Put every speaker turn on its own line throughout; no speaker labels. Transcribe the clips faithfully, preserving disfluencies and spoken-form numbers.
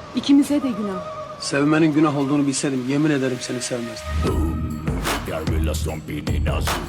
İkimize de günah.
Sevmenin günah olduğunu bilseydim yemin ederim seni sevmezdim.
Gorilla stomping in a zoo.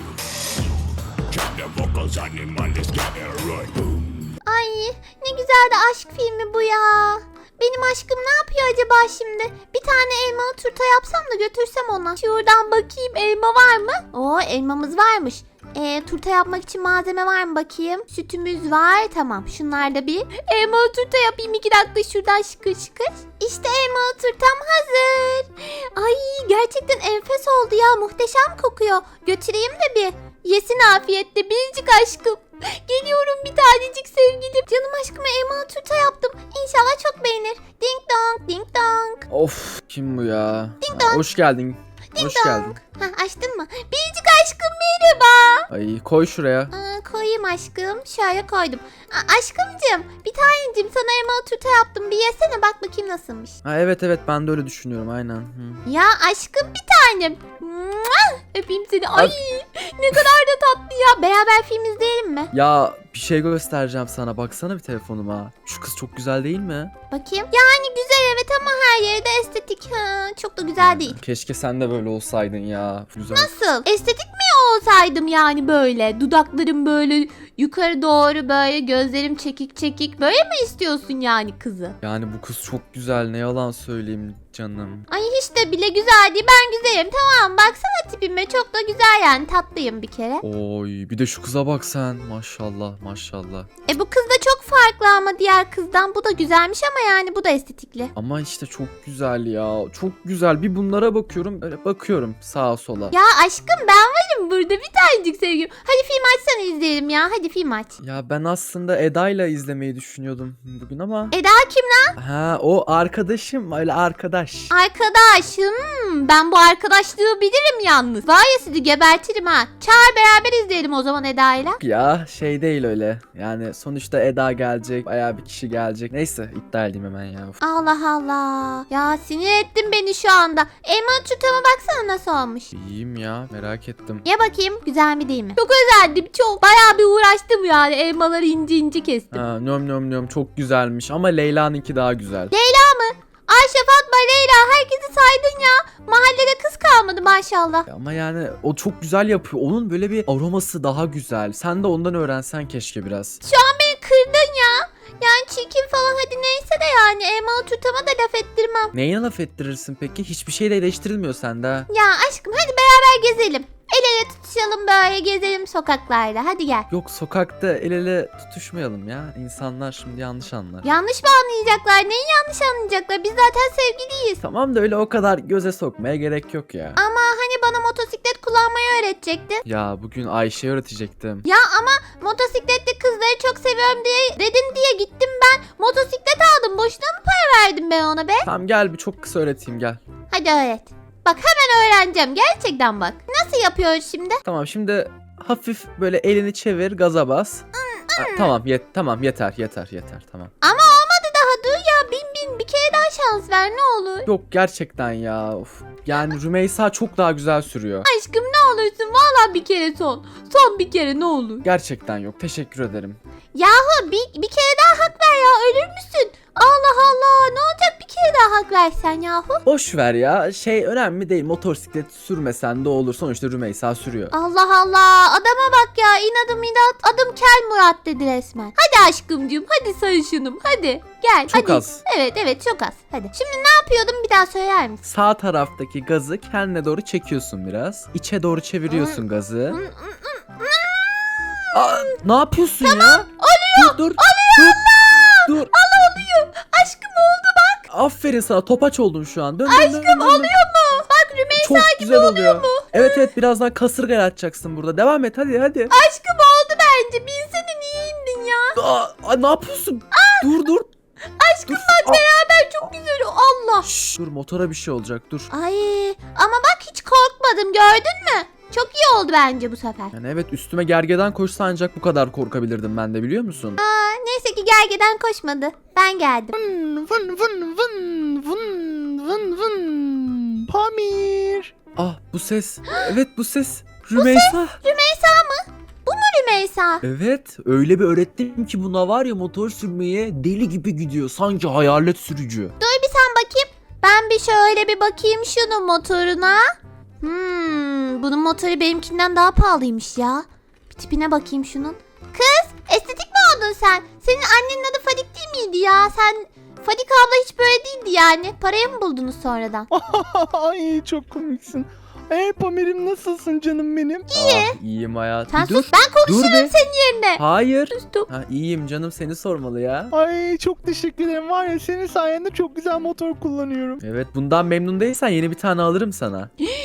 Check the vocals, animal is getting right. Boom.
Ay ne güzel de aşk filmi bu ya. Benim aşkım ne yapıyor acaba şimdi? Bir tane elmalı turta yapsam da götürsem ona. Şuradan bakayım, elma var mı? Oo, elmamız varmış. Ee, turta yapmak için malzeme var mı bakayım? Sütümüz var, tamam. Şunlar da bir. Elmalı turta yapayım iki dakika şuradan şıkır şıkır. İşte elmalı turtam hazır. Ay gerçekten enfes oldu ya, muhteşem kokuyor. Götüreyim de bir. Yesin afiyetle biricik aşkım. Geliyorum bir tanecik sevgilim. Canım aşkıma elmalı turta yaptım. İnşallah çok beğenir. Ding dong, ding dong.
Of, kim bu ya?
Ding
Aa,
dong.
hoş geldin.
Ding
Hoş
dong.
geldin.
Ha, açtın mı? Biricik aşkım merhaba.
Ay koy şuraya.
Aa, koyayım aşkım. Şöyle koydum. Aa, aşkımcığım bir tanecim sana elmalı turta yaptım. Bir yesene bak bakayım nasılmış.
Ha, evet evet ben de öyle düşünüyorum aynen. Hı.
Ya aşkım bir tanem. Mua! Öpeyim seni. Ay ne kadar da tatlı ya. Beraber film izleyelim mi?
Ya bir şey göstereceğim sana, baksana bir telefonuma. Şu kız çok güzel değil mi?
Bakayım. Yani güzel evet ama her yerde estetik. Ha, çok da güzel değil.
Keşke sen de böyle olsaydın ya. Güzel.
Nasıl? Estetik mi olsaydım yani böyle? Dudaklarım böyle yukarı doğru böyle, gözlerim çekik çekik. Böyle mi istiyorsun yani kızı?
Yani bu kız çok güzel, ne yalan söyleyeyim canım.
Ay hiç de bile güzel değil. Ben güzelim tamam. Baksana tipime çok da güzel yani. Tatlıyım bir kere.
Oy bir de şu kıza bak sen. Maşallah maşallah.
E bu kız da çok farklı ama diğer kızdan. Bu da güzelmiş ama yani bu da estetikli.
Ama işte çok güzel ya. Çok güzel. Bir bunlara bakıyorum. Öyle bakıyorum sağa sola.
Ya aşkım ben varım burada bir tanecik sevgilim. Hadi film açsana izleyelim ya. Hadi film aç.
Ya ben aslında Eda'yla izlemeyi düşünüyordum bugün ama.
Eda kim lan?
Ha o arkadaşım, öyle arkadaş.
Arkadaş. Hmm, ben bu arkadaşlığı bilirim yalnız. Var ya sizi gebertirim ha. Çağır beraber izleyelim o zaman Eda'yla.
Ya şey değil öyle. Yani sonuçta Eda gelecek, bayağı bir kişi gelecek. Neyse iptal edeyim hemen ya. Uf.
Allah Allah. Ya sinir ettin beni şu anda. Elmalı turtama baksana nasıl olmuş.
İyiyim ya, merak ettim.
Ye bakayım güzel mi değil mi? Çok özendim çok. Bayağı bir uğraştım yani. Elmaları ince ince kestim.
Ha, nöm nöm nöm çok güzelmiş ama Leyla'nınki daha güzel.
Ayşe, Fatma, Leyla herkesi saydın ya. Mahallede kız kalmadı maşallah.
Ama yani o çok güzel yapıyor. Onun böyle bir aroması daha güzel. Sen de ondan öğrensen keşke biraz.
Şu an beni kırdın ya. Yani çirkin falan hadi neyse de yani elmalı turtama da laf ettirmem.
Neyine laf ettirirsin peki? Hiçbir şey de eleştirilmiyor sende ha.
Ya aşkım hadi beraber gezelim. El ele tutuşalım böyle gezelim sokaklarda hadi gel.
Yok sokakta el ele tutuşmayalım ya. İnsanlar şimdi yanlış anlar.
Yanlış mı anlayacaklar? Neyi yanlış anlayacaklar? Biz zaten sevgiliyiz.
Tamam da öyle o kadar göze sokmaya gerek yok ya.
Ama hani bana motosiklet kullanmayı öğretecektin.
Ya bugün Ayşe'ye öğretecektim.
Ya ama motosikletli kızları çok seviyorum diye dedin diye gittim ben. Motosiklet aldım. Boşuna mı para verdim ben ona be?
Tamam gel bir çok kısa öğreteyim gel.
Hadi öğret. Bak hemen öğreneceğim. Gerçekten bak. Nasıl yapıyoruz şimdi?
Tamam şimdi hafif böyle elini çevir, gaza bas. Ha, tamam yet tamam yeter yeter yeter tamam.
Ama olmadı daha. Dur ya. Bin bin. Bir kere daha şans ver ne olur.
Yok gerçekten ya. Of. Yani Rümeysa çok daha güzel sürüyor.
Aşkım ne olursun. Vallahi bir kere son. Son bir kere ne olur.
Gerçekten yok. Teşekkür ederim.
Yahu bir, bir kere daha hak ver ya. Ölür müsün? Allah Allah. Ne olacak bir kere daha hak versen yahu?
Boş ver ya. Şey önemli değil. Motosiklet sürmesen de olur. Sonuçta Rümeysa sürüyor.
Allah Allah. Adama bak ya. İnadım inat. Adım Kel Murat dedi resmen. Hadi aşkımcığım. Hadi sarışınım. Hadi. Gel.
Çok
hadi.
az.
Evet evet çok az. Hadi. Şimdi ne yapıyordum bir daha söyler misin?
Sağ taraftaki gazı kendine doğru çekiyorsun biraz. İçe doğru çeviriyorsun gazı. Aa, ne yapıyorsun ya? Oluyor. Dur dur. Oluyor. Dur. Dur.
Aşkım oldu bak.
Aferin sana. Topaç oldun şu an. Dön, dön, dön, dön, dön, dön.
Oluyor mu? Bak Rümeysa
Çok
gibi
güzel
oluyor
oluyor.
mu?
Evet evet birazdan kasırga atacaksın burada. Devam et hadi hadi.
Aşkım oldu bence. Bilsene niye indin ya?
Aa, aa, ne yapıyorsun? Dur dur.
Aşkım
Dur.
bak
Aa.
beraber çok güzel. Allah.
Şşş, dur motora bir şey olacak dur.
Ay ama bak hiç korkmadım gördün mü? Çok iyi oldu bence bu sefer.
Yani evet üstüme gergeden koşsa ancak bu kadar korkabilirdim ben de biliyor musun?
Aa, neyse ki gergeden koşmadı. Ben geldim.
Vın vın vın vın vın vın vın. Pamir.
Ah bu ses. Evet bu ses. Rümeysa.
Rümeysa mı? Bu mu Rümeysa?
Evet öyle bir öğrettim ki buna var ya motor sürmeye deli gibi gidiyor. Sanki hayalet sürücü.
Dur bir Ben bir şöyle bir bakayım şunun motoruna. Hmm, bunun motoru benimkinden daha pahalıymış ya. Bir tipine bakayım şunun. Kız, estetik mi oldun sen? Senin annenin adı Fadik değil miydi ya? Sen Fadik abla hiç böyle değildi yani. Parayı mı buldunuz sonradan?
Ay çok komiksin. Hey Pamir'im nasılsın canım benim?
Ah, iyiyim hayatım.
Sen
Bir dur.
sus, ben konuşurum
Dur be.
senin yerine.
Hayır.
Sustum.
Ha, iyiyim canım, seni sormalı ya.
Ay çok teşekkür ederim. Var ya senin sayende çok güzel motor kullanıyorum.
Evet, bundan memnun değilsen yeni bir tane alırım sana.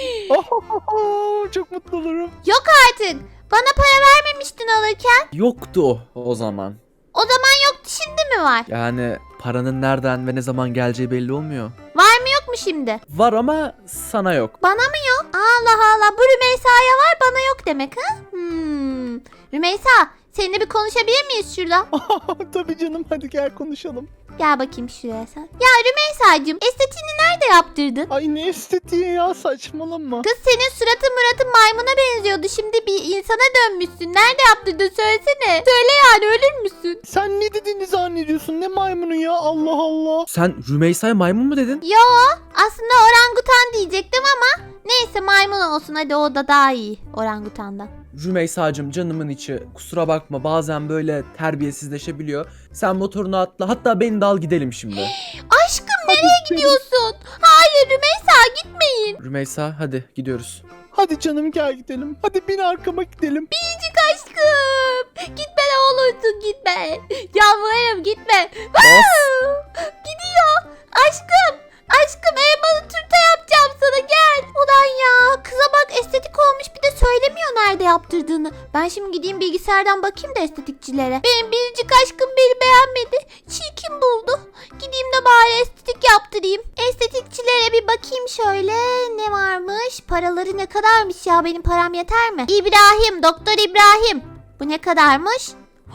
Oh, çok mutlu olurum.
Yok artık. Bana para vermemiştin alırken.
Yoktu o, o zaman.
O zaman yoktu, şimdi mi var?
Yani paranın nereden ve ne zaman geleceği belli olmuyor.
Var mı yok mu şimdi?
Var ama sana yok.
Bana mı yok? Allah Allah, bu Rümeysa'ya var, bana yok demek ha? Hmm. Rümeysa, seninle bir konuşabilir miyiz şurada?
Tabii canım, hadi gel konuşalım.
Gel bakayım şuraya sen. Ya Rümeysa'cığım, estetiğini nerede yaptırdın?
Ay ne estetiği ya, saçmalama.
Kız, senin suratın muratın maymuna benziyordu. Şimdi bir insana dönmüşsün. Nerede yaptırdın söylesene. Söyle yani, ölür müsün?
Sen ne dediğini zannediyorsun, ne maymunu ya, Allah Allah.
Sen Rümeysa'ya maymun mu dedin?
Yo, aslında orangutan diyecektim ama neyse, maymun olsun hadi, o da daha iyi orangutandan.
Rümeysa'cığım, canımın içi. Kusura bakma, bazen böyle terbiyesizleşebiliyor. Sen motorunu atla, hatta beni de al gidelim şimdi.
Aşkım, nereye gidiyorsun? Hayır Rümeysa, gitmeyin.
Rümeysa, hadi gidiyoruz.
Hadi canım gel gidelim. Hadi bin arkama gidelim.
Biricik aşkım. Gitme ne olursun, gitme. Yalvarırım, gitme.
Bas.
Gidiyor. Aşkım. Aşkım, elmalı turta yapacağım sana, gel. Ulan ya, kıza bak, estetik olmuş, bir de söylemiyor nerede yaptırdığını. Ben şimdi gideyim bilgisayardan bakayım da estetikçilere. Benim biricik aşkım beni beğenmedi. Çirkin buldu. Gideyim de bari estetik yaptırayım. Estetikçilere bir bakayım şöyle. Ne varmış? Paraları ne kadarmış ya? Benim param yeter mi? İbrahim, Doktor İbrahim. Bu ne kadarmış?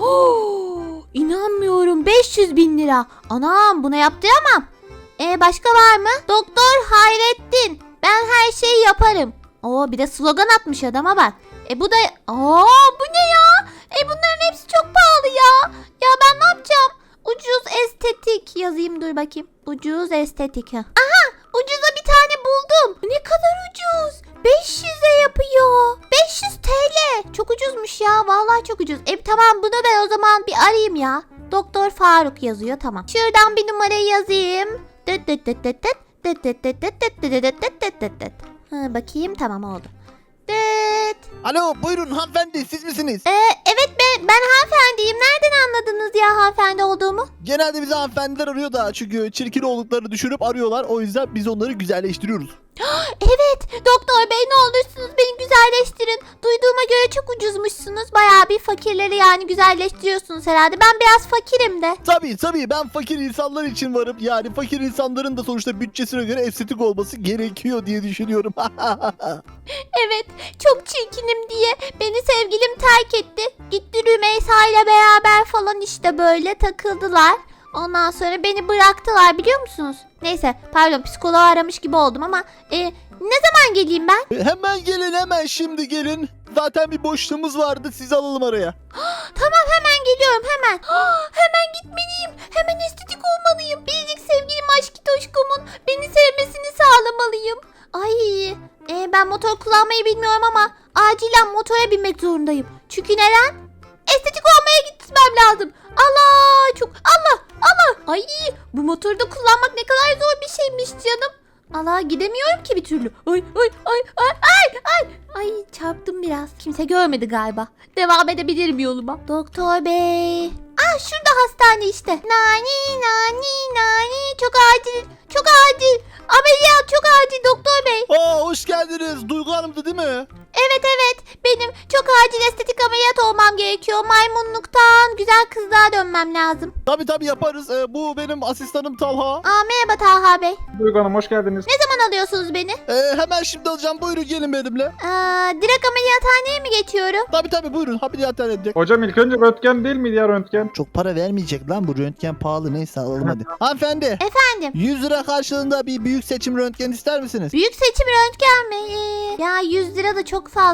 Oh, inanmıyorum, beş yüz bin lira. Anam, buna yaptıramam. E başka var mı? Doktor Hayrettin. Ben her şeyi yaparım. Oo, bir de slogan atmış adama bak. E bu da... Aa, bu ne ya? E bunların hepsi çok pahalı ya. Ya ben ne yapacağım? Ucuz estetik yazayım, dur bakayım. Ucuz estetik. Ha. Aha, ucuza bir tane buldum. Ne kadar ucuz? beş yüze yapıyor. beş yüz TL. Çok ucuzmuş ya. Vallahi çok ucuz. E tamam, bunu ben o zaman bir arayayım ya. Doktor Faruk yazıyor, tamam. Şuradan bir numarayı yazayım. Dıt dıt dıt dıt dıt. Dıt dıt dıt dıt dıt dıt dıt dıt dıt dıt dıt. Ha, bakayım, tamam oldu. Dıt.
Alo buyurun hanımefendi, siz misiniz?
Ee, evet ben, ben hanımefendiyim. Nereden anladınız ya hanımefendi olduğumu?
Genelde bizi hanımefendiler arıyor da çünkü çirkin olduklarını düşürüp arıyorlar. O yüzden biz onları güzelleştiriyoruz.
Evet, doktor bey ne olursunuz beni güzelleştirin. Duyduğuma göre çok ucuzmuşsunuz. Bayağı bir fakirleri yani güzelleştiriyorsunuz herhalde. Ben biraz fakirim de.
Tabii tabii, ben fakir insanlar için varım. Yani fakir insanların da sonuçta bütçesine göre estetik olması gerekiyor diye düşünüyorum.
Evet, çok çirkinim diye beni sevgilim terk etti. Gitti Rümeysa ile beraber falan işte böyle takıldılar. Ondan sonra beni bıraktılar, biliyor musunuz? Neyse, pardon, psikoloğu aramış gibi oldum ama e, ne zaman geleyim ben?
Hemen gelin, hemen şimdi gelin. Zaten bir boşluğumuz vardı, sizi alalım araya.
Tamam, hemen geliyorum, hemen. Hemen gitmeliyim. Hemen estetik olmalıyım. Biricik sevgilim aşkitoşkumun beni sevmesini sağlamalıyım. Ay, e, ben motor kullanmayı bilmiyorum ama acilen motora binmek zorundayım. Çünkü neden? Estetik olmaya gitmem lazım. Allah, çok Allah Allah. Ay, bu motoru da kullanmak ne kadar zor bir şeymiş canım. Allah, gidemiyorum ki bir türlü. Ay ay ay ay ay ay. Ay, çarptım biraz. Kimse görmedi galiba. Devam edebilirim yoluma. Doktor bey. Ah, şurada hastane işte. Nani nani nani. Çok acil. Çok acil. Ameliyat çok acil doktor bey.
Aa, hoş geldiniz. Duygu Hanım'dı değil mi?
Evet evet, benim çok acil estetik ameliyat olmam gerekiyor. Maymunluktan güzel kızlığa dönmem lazım.
Tabii tabii yaparız. Ee, bu benim asistanım Talha.
Aa, merhaba Taha Bey.
Duygu Hanım hoş geldiniz.
Ne zaman alıyorsunuz beni?
Ee, hemen şimdi alacağım. Buyurun gelin benimle.
Aa, direkt ameliyathaneye mi geçiyorum?
Tabii tabii buyurun. Ameliyathaneye edecek.
Hocam ilk önce röntgen değil miydi ya röntgen?
Çok para vermeyecek lan, bu röntgen pahalı, neyse alalım hadi. Hanımefendi,
Efendim?
yüz lira karşılığında bir büyük seçim röntgen ister misiniz?
Büyük seçim röntgen mi? Ee, ya yüz lira da çok fazlaymış.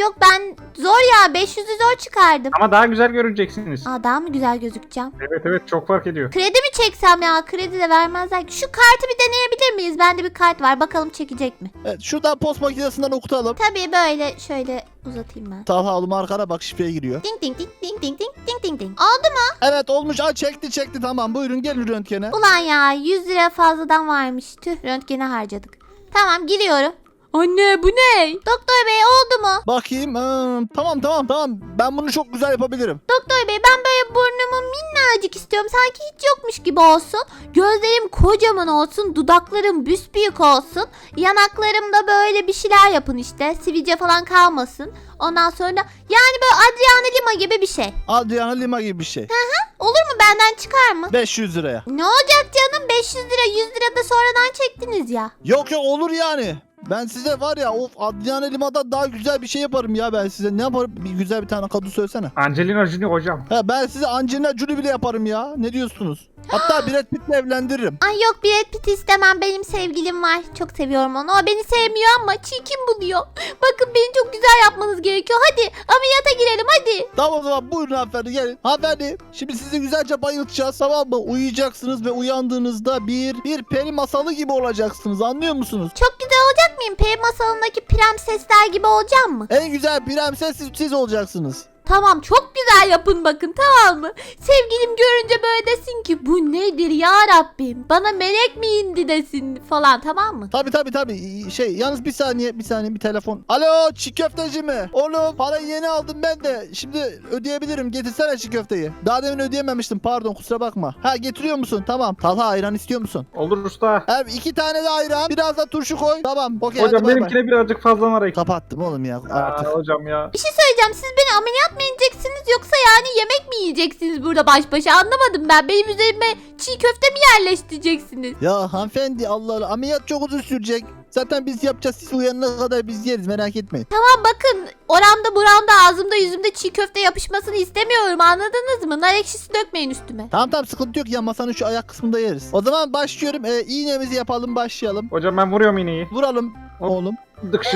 yok ben zor ya beş yüzü zor çıkardım.
Ama daha güzel görüneceksiniz.
Aa daha mı güzel gözükeceğim?
Evet evet çok fark ediyor.
Kredi mi çeksem ya? Kredi de vermezler ki. Şu kartı bir deneyebilir miyiz? Bende bir kart var. Bakalım çekecek mi?
Evet, şuradan post makinesinden okutalım.
Tabii böyle şöyle uzatayım ben.
Talha oğlum arkana bak şifreye giriyor.
Ding ding ding ding ding ding ding ding ding. Oldu mu?
Evet olmuş. Aa, çekti çekti tamam buyurun gelin röntgene.
Ulan ya yüz lira fazladan varmış. Tüh röntgene harcadık. Tamam giriyorum. Anne bu ne? Doktor bey oldu mu?
Bakayım. Aa, tamam tamam tamam. Ben bunu çok güzel yapabilirim.
Doktor bey ben böyle burnumu minnacık istiyorum. Sanki hiç yokmuş gibi olsun. Gözlerim kocaman olsun. Dudaklarım büsbüyük olsun. Yanaklarımda böyle bir şeyler yapın işte. Sivilce falan kalmasın. Ondan sonra yani böyle Adriana Lima gibi bir şey.
Adriana Lima gibi bir şey.
Olur mu benden çıkar mı?
beş yüz liraya.
Ne olacak canım beş yüz lira yüz lira da sonradan çektiniz ya.
Yok yok olur yani. Ben size var ya of Adriana Lima'dan daha güzel bir şey yaparım ya ben size. Ne yaparım? Bir güzel bir tane kadın söylesene.
Angelina Jolie hocam.
Ha, ben size Angelina Jolie bile yaparım ya. Ne diyorsunuz? Hatta Brad Pitt'le evlendiririm.
Ay yok Brad Pitt istemem benim sevgilim var. Çok seviyorum onu. O beni sevmiyor ama çirkin buluyor. Bakın beni çok güzel yapmanız gerekiyor. Hadi ameliyata girelim hadi.
Tamam o zaman buyurun hanımefendi gelin. Hanımefendi şimdi sizi güzelce bayıltacağız tamam mı? Uyuyacaksınız ve uyandığınızda bir bir peri masalı gibi olacaksınız anlıyor musunuz?
Çok güzel olacak mıyım? Peri masalındaki prensesler gibi olacağım mı?
En güzel prenses siz, siz olacaksınız.
Tamam çok güzel yapın bakın tamam mı? Sevgilim görünce böyle desin ki bu nedir ya Rabbim? Bana melek mi indi desin falan tamam mı?
Tabi tabi tabi şey yalnız bir saniye bir saniye bir telefon. Alo çiğ köfteci mi? Oğlum parayı yeni aldım ben de. Şimdi ödeyebilirim getirsene çiğ köfteyi. Daha demin ödeyememiştim pardon kusura bakma. Ha getiriyor musun? Tamam. Talha ayran istiyor musun?
Olur usta.
Evet iki tane de ayran biraz da turşu koy. Tamam okey hadi
Hocam
bay bay.
benimkine birazcık fazla var.
Kapattım oğlum ya
Aa,
artık.
hocam ya.
Bir şey söyleyeceğim siz beni ameliyat mı edeceksiniz yoksa yani yemek mi yiyeceksiniz burada baş başa anlamadım ben. Benim üzerime çiğ köfte mi yerleştireceksiniz?
Ya hanımefendi Allah Allah ameliyat çok uzun sürecek. Zaten biz yapacağız siz uyanana kadar biz yeriz merak etmeyin.
Tamam bakın oramda buramda ağzımda yüzümde çiğ köfte yapışmasını istemiyorum anladınız mı? Nar ekşisi dökmeyin üstüme.
Tamam tamam sıkıntı yok ya masanın şu ayak kısmında yeriz. O zaman başlıyorum ee, iğnemizi yapalım başlayalım.
Hocam ben vuruyorum iğneyi.
Vuralım
Hop.
oğlum.
Dıkşın.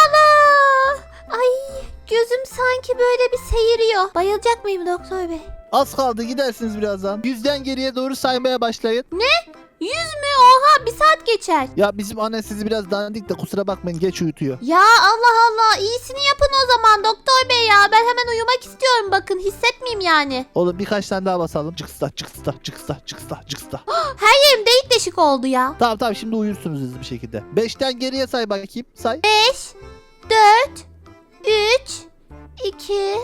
Ana! Ay gözüm sanki böyle bir seyiriyor. Bayılacak mıyım doktor bey?
Az kaldı gidersiniz birazdan. Yüzden geriye doğru saymaya başlayın.
Yüz mü? Oha bir saat geçer.
Ya bizim anne sizi biraz dandik de kusura bakmayın geç uyutuyor.
Ya Allah Allah iyisini yapın o zaman doktor bey ya. Ben hemen uyumak istiyorum bakın hissetmeyeyim yani.
Oğlum birkaç tane daha basalım. Çıksta çıksta çıksta çıksta çıksta.
Her yerim delik deşik oldu ya.
Tamam tamam şimdi uyursunuz hızlı bir şekilde. Beşten geriye say bakayım. Say.
beş, dört, üç, iki,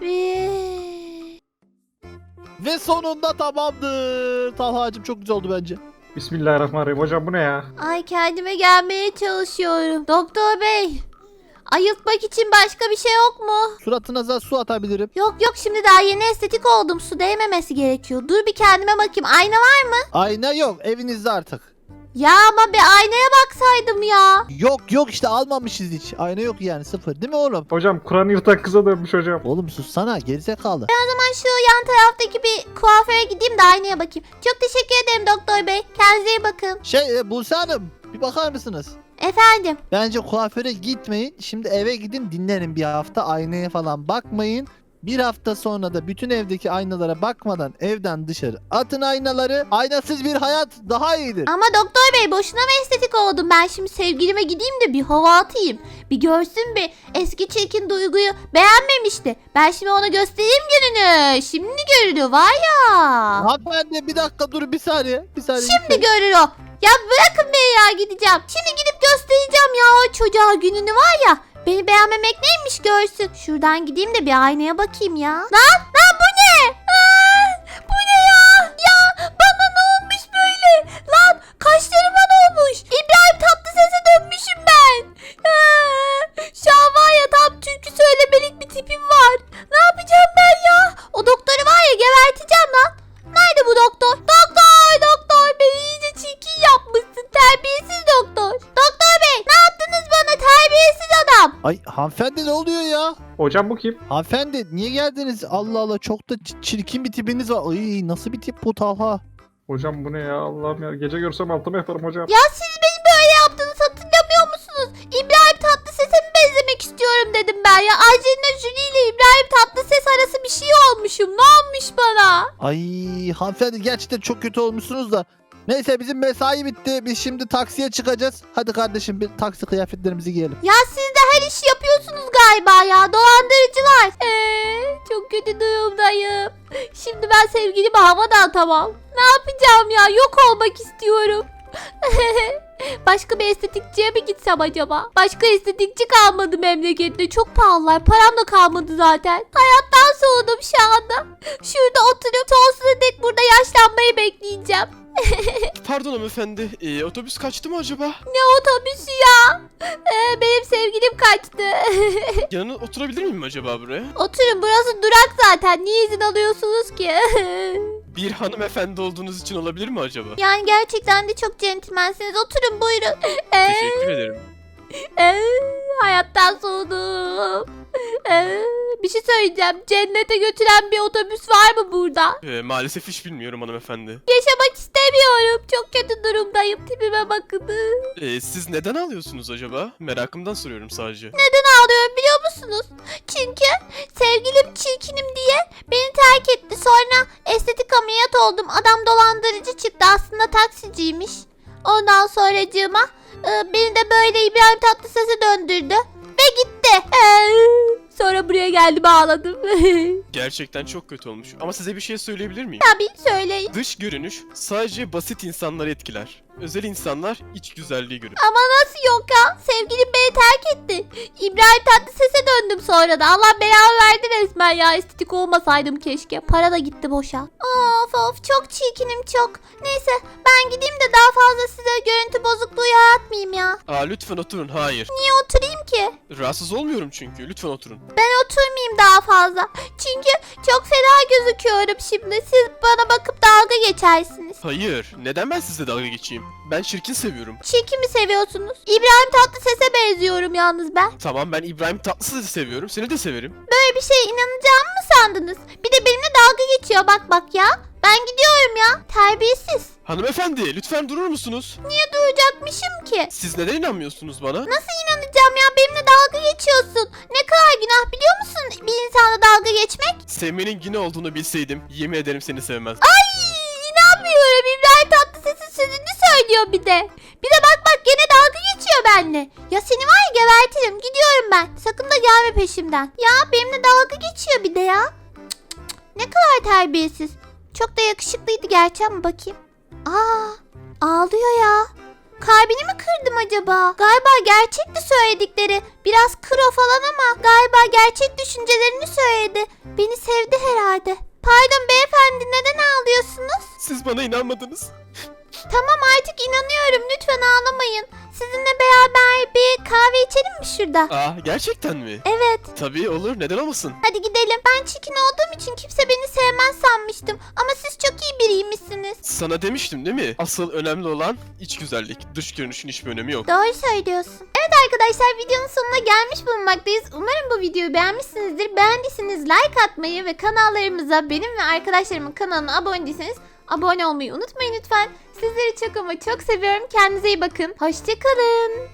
bir.
Ve sonunda tamamdır. Talha'cığım çok güzel oldu bence.
Bismillahirrahmanirrahim. Hocam bu ne ya?
Ay kendime gelmeye çalışıyorum. Doktor bey. Ayıltmak için başka bir şey yok mu?
Suratınıza da su atabilirim.
Yok yok şimdi daha yeni estetik oldum. Su değmemesi gerekiyor. Dur bir kendime bakayım. Ayna var mı?
Ayna yok evinizde artık.
Ya ama bir aynaya baksaydım ya.
Yok yok işte almamışız hiç. Ayna yok yani sıfır değil mi oğlum?
Hocam Kur'an yırtan kıza dönmüş hocam.
Oğlum sussana gerizekalı.
Ben şu yan taraftaki bir kuaföre gideyim de aynaya bakayım. Çok teşekkür ederim doktor bey. Kendinize iyi bakın.
Şey e, Buse Hanım bir bakar mısınız?
Efendim.
Bence kuaföre gitmeyin. Şimdi eve gidin dinlenin bir hafta. Aynaya falan bakmayın. Bir hafta sonra da bütün evdeki aynalara bakmadan evden dışarı atın aynaları. Aynasız bir hayat daha iyidir.
Ama doktor bey boşuna mı estetik oldum? Ben şimdi sevgilime gideyim de bir hava atayım. Bir görsün bir eski çirkin Duygu'yu beğenmemişti. Ben şimdi ona göstereyim gününü. Şimdi görünüyor var ya.
Hanımefendi bir dakika dur bir saniye. Bir saniye.
Şimdi görür o. Ya bırakın beni ya gideceğim. Şimdi gidip göstereceğim ya o çocuğa gününü var ya. Beni beğenmemek neymiş görsün. Şuradan gideyim de bir aynaya bakayım ya. Lan lan bu ne? Aa, bu ne ya? Ya bana ne olmuş böyle? Lan kaşlarıma ne olmuş? İbrahim Tatlıses'e dönmüşüm ben. Aa, şu an var ya tam türkü söylemelik bir tipim var. Ne yapacağım ben ya? O doktoru var ya geberteceğim lan. Nerede bu doktor? Doktor doktor beni iyice çirkin yapmışsın. Terbiyesiz doktor. Doktor bey ne yaptınız bana terbiyesiz adam?
Ay hanımefendi ne oluyor ya?
Hocam bu kim?
Hanımefendi niye geldiniz? Allah Allah çok da ç- çirkin bir tipiniz var. Ay nasıl bir tip bu Talha?
Hocam bu ne ya? Allah'ım ya. Gece görsem altıma yaparım hocam.
Ya siz beni böyle yaptınız hatırlamıyor musunuz? İbrahim Tatlıses'e mi benzemek istiyorum dedim ben ya. Angelina Jolie ile İbrahim Tatlıses arası bir şey olmuşum. Ne olmuş bana?
Ay hanımefendi gerçekten çok kötü olmuşsunuz da. Neyse bizim mesai bitti. Biz şimdi taksiye çıkacağız. Hadi kardeşim bir taksi kıyafetlerimizi giyelim.
Ya siz de her işi yapıyorsunuz galiba ya. Dolandırıcılar. Eee çok kötü durumdayım. Şimdi ben sevgilime hava atamam. Ne yapacağım ya? Yok olmak istiyorum. Başka bir estetikçiye mi gitsem acaba? Başka estetikçi kalmadı memlekette. Çok pahalılar. Param da kalmadı zaten. Hayattan soğudum şu anda. Şurada oturup sonsuza dek burada yaşlanmayı bekleyeceğim.
Pardon hanımefendi, ee, otobüs kaçtı mı acaba?
Ne otobüsü ya? Ee, benim sevgilim kaçtı.
Yanına oturabilir miyim acaba buraya?
Oturun, burası durak zaten. Niye izin alıyorsunuz ki?
Bir hanımefendi olduğunuz için olabilir mi acaba?
Yani gerçekten de çok centilmensiniz. Oturun buyurun. Ee,
Teşekkür ederim.
ee, hayattan soğudum. Ee, bir şey söyleyeceğim. Cennete götüren bir otobüs var mı burada?
Ee, maalesef hiç bilmiyorum hanımefendi.
Yaşamak istemiyorum. Çok kötü durumdayım. Tipime bakın.
Ee, siz neden ağlıyorsunuz acaba? Merakımdan soruyorum sadece.
Neden ağlıyorum biliyor musunuz? Çünkü sevgilim çirkinim diye beni terk etti. Sonra estetik ameliyat oldum. Adam dolandırıcı çıktı. Aslında taksiciymiş. Ondan sonracığıma e, beni de böyle İbrahim Tatlıses'e döndürdü. Ve gitti. Ee, sonra buraya geldim ağladım.
Gerçekten çok kötü olmuş. Ama size bir şey söyleyebilir miyim?
Tabii söyleyin.
Dış görünüş sadece basit insanları etkiler. Özel insanlar iç güzelliği görür.
Ama nasıl yok ya? Sevgilim beni terk etti. İbrahim Tatlıses'e döndüm sonra da. Allah belamı verdi resmen ya. Estetik olmasaydım keşke. Para da gitti boşa. Of of çok çirkinim çok. Neyse ben gideyim de daha fazla size görüntü bozukluğu yaratmayayım ya.
Aa lütfen oturun. Hayır.
Niye oturayım ki?
Rahatsız olmuyorum çünkü. Lütfen oturun.
Ben oturmayayım daha fazla. Çünkü çok fena gözüküyorum şimdi. Siz bana bakıp dalga geçersiniz.
Hayır. Neden ben sizle dalga geçeyim? Ben çirkin seviyorum.
Çirkin mi seviyorsunuz? İbrahim Tatlıses'e benziyorum yalnız ben.
Tamam ben İbrahim Tatlıses'i de seviyorum. Seni de severim.
Böyle bir şeye inanacağımı mı sandınız? Bir de benimle dalga geçiyor bak bak ya. Ben gidiyorum ya. Terbiyesiz.
Hanımefendi lütfen durur musunuz?
Niye duracakmışım ki?
Siz neden inanmıyorsunuz bana?
Nasıl inanacağım ya? Benimle dalga geçiyorsun. Ne kadar günah biliyor musun bir insana dalga geçmek?
Sevmenin yine olduğunu bilseydim yemin ederim seni sevmezdim.
Ay inanmıyorum. İbrahim Tatlıses'in sözünü söylüyor bir de. Bir de bak bak gene dalga geçiyor benimle. Ya seni var ya gebertirim. Gidiyorum ben. Sakın da gelme peşimden. Ya benimle dalga geçiyor bir de ya. Cık cık cık. Ne kadar terbiyesiz. Çok da yakışıklıydı gerçi ama bakayım. Aa, ağlıyor ya. Kalbini mi kırdım acaba? Galiba gerçekti söyledikleri. Biraz kro falan ama galiba gerçek düşüncelerini söyledi. Beni sevdi herhalde. Pardon beyefendi neden ağlıyorsunuz?
Siz bana inanmadınız.
Tamam artık inanıyorum. Lütfen ağlamayın. Sizinle beraber bir kahve içelim mi şurada?
Aa gerçekten mi?
Evet.
Tabii olur neden olmasın?
Hadi gidelim. Ben çirkin olduğum için kimse beni sevmez sanmıştım. Ama siz çok iyi biriymişsiniz.
Sana demiştim değil mi? Asıl önemli olan iç güzellik. Dış görünüşün hiçbir önemi yok.
Doğru söylüyorsun. Evet arkadaşlar videonun sonuna gelmiş bulunmaktayız. Umarım bu videoyu beğenmişsinizdir. Beğendiyseniz like atmayı ve kanallarımıza benim ve arkadaşlarımın kanalına abone değilseniz abone olmayı unutmayın lütfen. Sizleri çok ama çok seviyorum. Kendinize iyi bakın. Hoşçakalın.